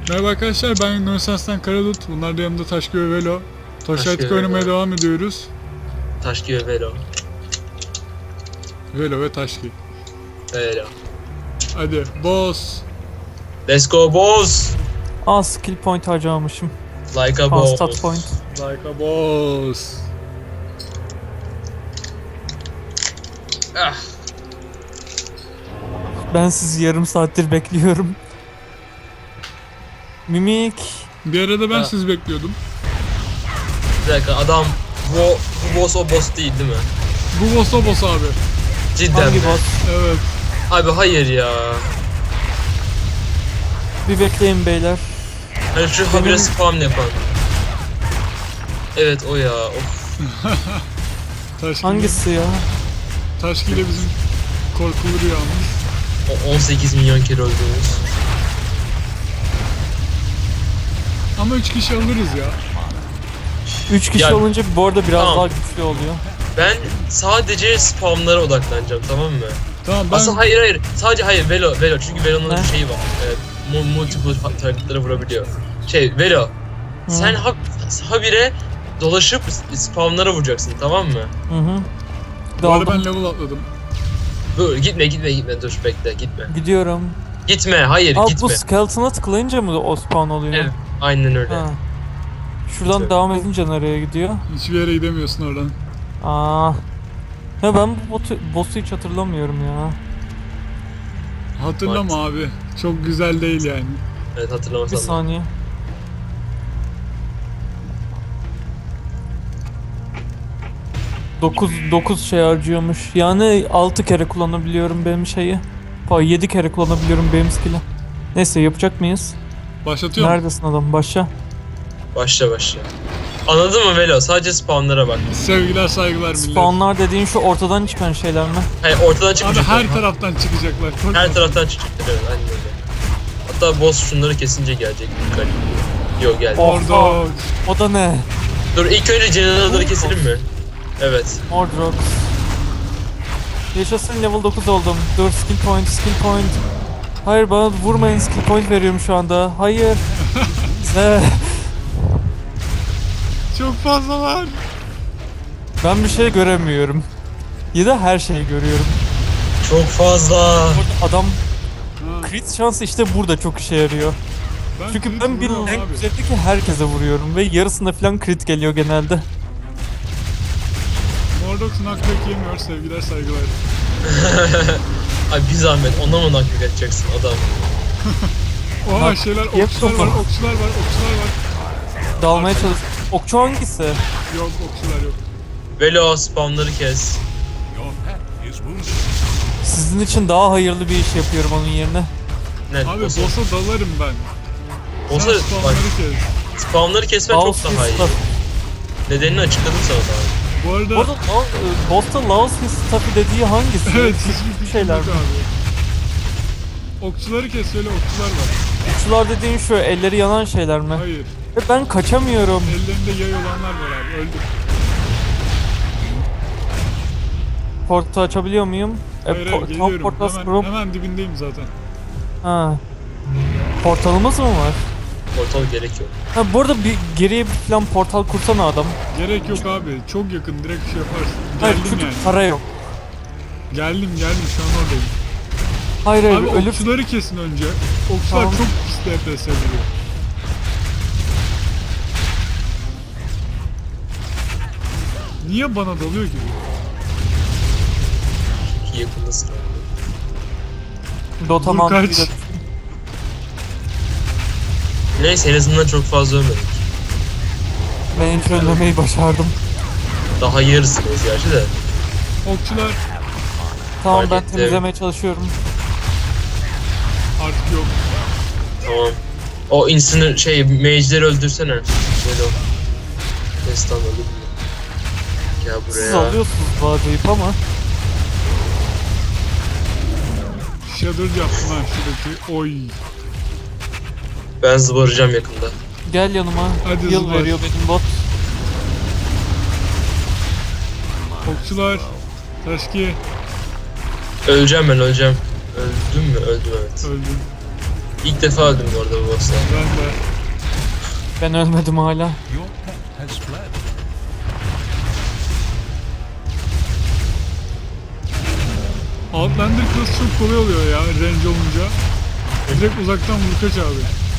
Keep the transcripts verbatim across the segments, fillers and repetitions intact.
Merhaba arkadaşlar, ben Yunanistan'dan Karalut. Bunlar da yanımda Taşkı ve Velo. Taşkı oynamaya devam ediyoruz. Taşkı ve Velo. Velo ve Taşkı. Velo. Hadi, boss. Let's go boss. Aa, skill point harcamamışım. Like a Aa, boss. stat point. Like a boss. Ah. Ben sizi yarım saattir bekliyorum. Mimik. Bir arada ben Ha. sizi bekliyordum. Bir dakika adam bu, bu boss o boss değil değil mi? Bu boss o boss abi. Cidden Hangi mi? boss? Evet. Abi hayır ya. Bir bekleyin beyler. Hani şu Benim- habire spam yapan. Evet o ya. Of. Taşkı Hangisi ya? Taşkı ile bizim korkulu rüyamız. O on sekiz milyon kere öldüğümüz. Ama üç kişi alırız ya. Üç kişi Ya- olunca bu arada biraz Tamam. daha güçlü oluyor. Ben sadece spamlara odaklanacağım, tamam mı? Tamam ben... Aslında hayır hayır. Sadece hayır Velo Velo çünkü Velo'nun Ne? şeyi var. Evet, mu- multiple targetlara vurabiliyor. Şey Velo. Sen ha habire dolaşıp spamlara vuracaksın, tamam mı? Hı hı. Bu arada Daldım. ben level atladım. Dur gitme gitme gitme dur bekle gitme. Gidiyorum. Gitme hayır Aa, bu gitme. skeleton'a tıklayınca mı o spawn oluyor? Evet, aynen öyle. Ha. Şuradan Gitme. devam edince nereye gidiyor? Hiçbir yere gidemiyorsun oradan. Aa. Ya ben bu botu, boss'u hiç hatırlamıyorum ya. Hatırlama abi. Çok güzel değil yani. Evet Bir hatırlamasam. da. saniye. Dokuz, dokuz şey harcıyormuş. Yani altı kere kullanabiliyorum benim şeyi. Pa yedi kere kullanabiliyorum benim skill'i. Neyse, yapacak mıyız? Başlatıyorum. Neredesin adam? Başla. Başla başla. Anladın mı Velo? Sadece spawnlara bak. Sevgiler saygılar millet. Spawnlar dediğin şu ortadan çıkan şeyler mi? Hayır ortadan Abi çıkacaklar. her taraftan çıkacaklar. Korkma. Her taraftan çıkacaklar, evet aynen öyle. Hatta boss şunları kesince gelecek. Dikkat. Yok geldi. Oh. Orada. O da ne? Dur ilk önce General'ları keselim mi? Evet. Mordrox. Yaşasın, level dokuz oldum. Dur, skill point, skill point. Hayır, bana vurmayın, skill point veriyorum şu anda. Hayır. Ze. Çok fazla var. Ben bir şey göremiyorum. Ya da her şeyi görüyorum. Çok fazla. Burada adam Ha, crit şansı işte burada çok işe yarıyor. ben Çünkü crit ben bir vuruyorum rank abi. üzerindeki herkese vuruyorum ve yarısında falan crit geliyor genelde. Mordox'un hakkı yemiyor. Sevgiler saygılar. Ay bir zahmet ona mı naklik edeceksin adam? Oha Bak, şeyler, yap okçular var, topu. okçular var, okçular var. Dalmaya çalış. Okçu hangisi? Yok, okçular yok. Velo spawnları kes. Sizin için daha hayırlı bir iş yapıyorum onun yerine. Ne? Abi boss'a- boss'a dalarım ben. boss'a- Sen spawnları bak, kes. spawnları kesmen çok Laos daha iyi. Stuff. Nedenini açıkladım sana daha. Bu arada... Bu arada Laos, e, Boss'ta Laos Stuff'ı dediği hangisi? evet, Küçük hiçbir fikrim şeyler yok mi? abi. Okçuları kes, öyle okçular var. Okçular dediğin şu elleri yanan şeyler mi? Hayır, Ve ben kaçamıyorum. ellerinde yay olanlar var abi, öldüm. Portu açabiliyor muyum? E, Hayır, hayır, po- tam geliyorum. portal Hemen, scroll. hemen dibindeyim zaten. Ha. Portalımız mı var? Portal gerek yok. Ha, bu arada bir geriye bir falan portal kursana adam. Gerek yok abi, çok yakın, direkt şey yaparsın. Hayır, Geldim çünkü yani. para yok. Geldim, geldim, şu an oradayım. Hayır hayır, Abi ölüp okçuları kesin önce. Okçular Tamam. çok pis D P S vuruyor. Niye bana dalıyor gibi? Çünkü yakındasın. Dota Dur, mantığıyla. kaç. Neyse en azından çok fazla ölmedik. Ben hiç ölmemeyi başardım. Daha yarısındayız gerçi de. Okçular Tamam, Fark ben ettim. temizlemeye çalışıyorum. artık yok. Tamam. O insanı şey mage'leri öldürsene. Böyle o. Destan öldü mü? Gel Siz buraya. alıyorsunuz vaziyet ama. Shadow yaptım lan şuradaki. Oy. Ben zıbaracağım yakında. Gel yanıma. Hadi Yıl zıbar. veriyor benim bot. Okçular. Taşki. Öleceğim ben öleceğim. Öldüm mü? Öldüm evet. Öldüm. İlk defa öldüm bu arada bu boss'ta. Ben de. Ben ölmedim hala. Your pet has fled. Outlander kılıç çok kolay oluyor ya range olunca. Direkt uzaktan vur kaç abi.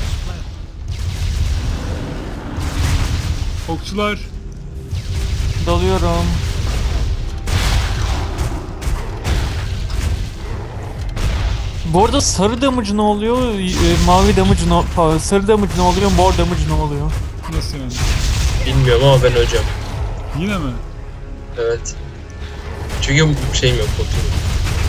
Okçular. Dalıyorum. Bu arada sarı damage ne oluyor? e, Mavi damage ne pardon, sarı damage ne oluyor? Mor damage ne oluyor? Nasıl yani? Bilmiyorum ama ben öleceğim. Yine mi? Evet. Çünkü şeyim yok, botum yok.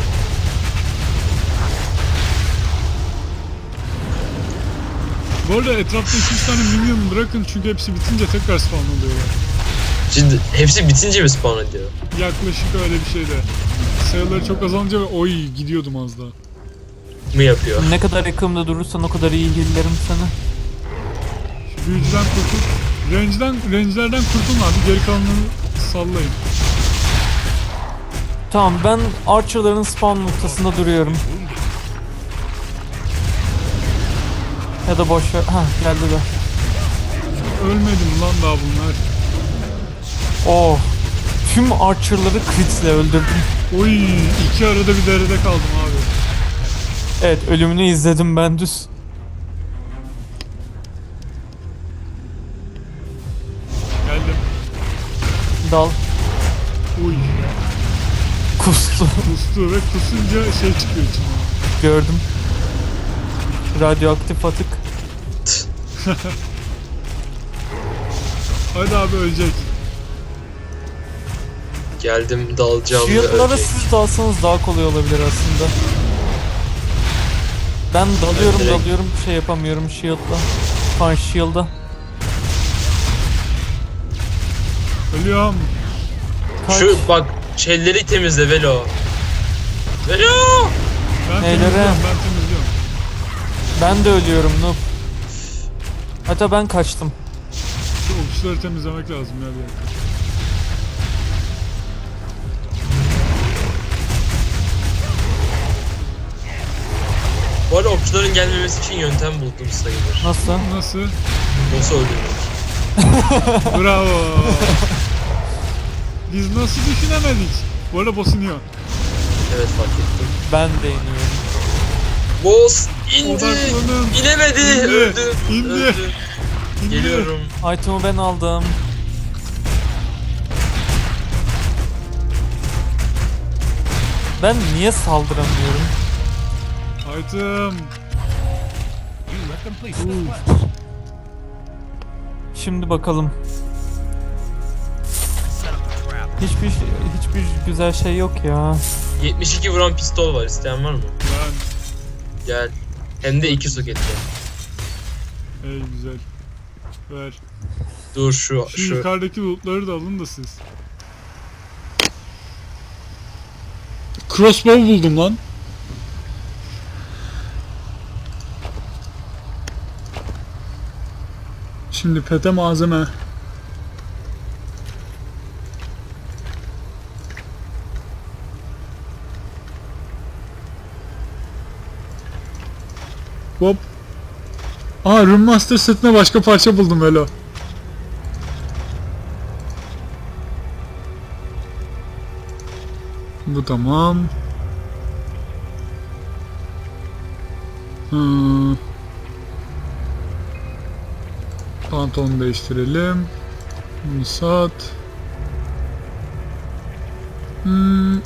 Bu arada etrafta iki üç tane minyon bırakın çünkü hepsi bitince tekrar spawn oluyorlar. Şimdi hepsi bitince mi spawn ediyor? Yaklaşık öyle bir şeyde. Sayıları çok azalınca ve oy gidiyordum az daha. Mı yapıyor? Ne kadar yakımda durursan o kadar iyi heal'lerim seni. Şu büyücüden kurtul. Range'den, range'lerden kurtulun abi. Geri kalanını sallayın. Tamam, ben Archer'ların spawn noktasında duruyorum. Ya da boş ver. Hah, geldiler. Ölmedim lan daha bunlar. Oh. Tüm Archer'ları critle öldürdüm. Oy iki arada bir derede kaldım abi. Evet, ölümünü izledim ben düz. Geldim. Dal. Uy. Kustu. Kustu ve kusunca şey çıkıyor içinden. Gördüm. Radyoaktif atık. Hadi abi ölecek. Geldim, dalacağım ve Shield'lara ölecek. siz dalsanız daha kolay olabilir aslında. Ben dalıyorum Ben direkt- dalıyorum bir şey yapamıyorum shield'la. Fan shield'a. Ölüyorum. Kaç. Şu bak, şeyleri temizle Velo. Velo! Ben Neylere? temizliyorum ben temizliyorum. Ben de ölüyorum noob. Hatta ben kaçtım. Şu okçuları temizlemek lazım ya bir dakika. Bu arada okçuların gelmemesi için yöntem buldum sayılır. Nasıl? Nasıl? Boss'u öldürmek. Bravo. Biz nasıl düşünemedik? Bu arada boss iniyor. Evet, fark ettim. Ben de iniyorum. Boss indi! Odaklanın. İnemedi! İndi, Öldü! indi. Öldü! İndi. Geliyorum. Item'ı ben aldım. Ben niye saldıramıyorum? Item. You let them place the Ooh. flag. Şimdi bakalım. Hiçbir hiçbir güzel şey yok ya. yetmiş iki vuran pistol var, isteyen var mı? Ben. Gel. Hem de iki soketli. Ey güzel. Ver. Dur şu, Şu, şu. yukarıdaki lootları da alın da siz. Crossbow buldum lan. Şimdi pete malzeme. Hop. Aa, Rune Master setine başka parça buldum Elo. Bu tamam. Hmm. Pantolonu değiştirelim. Bunu sat. Hmm.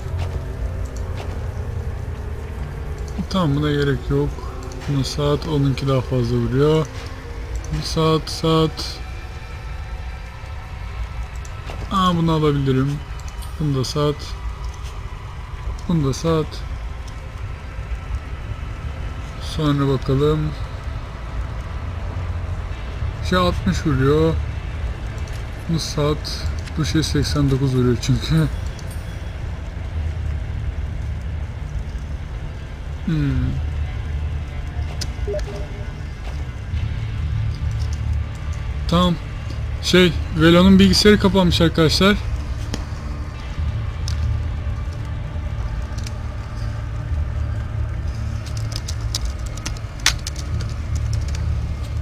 Tamam, buna gerek yok. Bunu sat. Onunki daha fazla vuruyor. Bunu sat sat. Aa, bunu alabilirim. Bunu da sat. Bunu da sat. Sonra bakalım. Şey altmış vuruyor. Bu sat. Bu şey seksen dokuz vuruyor çünkü. Hmm. Tamam. Şey, Velo'nun bilgisayarı kapanmış arkadaşlar.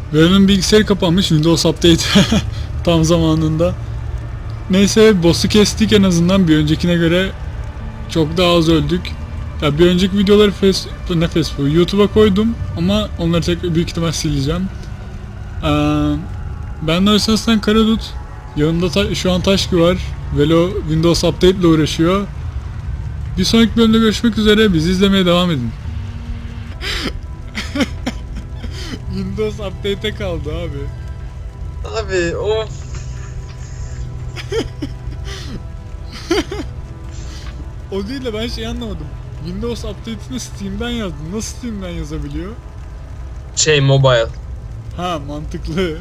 Velo'nun bilgisayarı kapanmış. Windows Update tam zamanında. Neyse boss'u kestik en azından bir öncekine göre çok daha az öldük. Ya bir önceki videoları face, ne Facebook YouTube'a koydum ama onları tek büyük ihtimal sileceğim. Ee, ben de Özsas'tan Karadut. Yanımda ta- şu an Taşkı var. Velo Windows Update ile uğraşıyor. Bir sonraki bölümde görüşmek üzere. Bizi izlemeye devam edin. Windows Update'e kaldı abi. Abi of. O değil de ben şey anlamadım. Windows Update'ini Steam'den yazdım. Nasıl Steam'den yazabiliyor? Şey mobile. Ha mantıklı.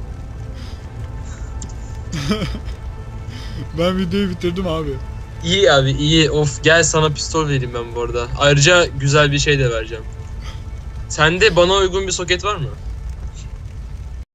Ben videoyu bitirdim abi. İyi abi iyi. Of gel sana pistol vereyim ben bu arada. Ayrıca güzel bir şey de vereceğim. Sende bana uygun bir soket var mı?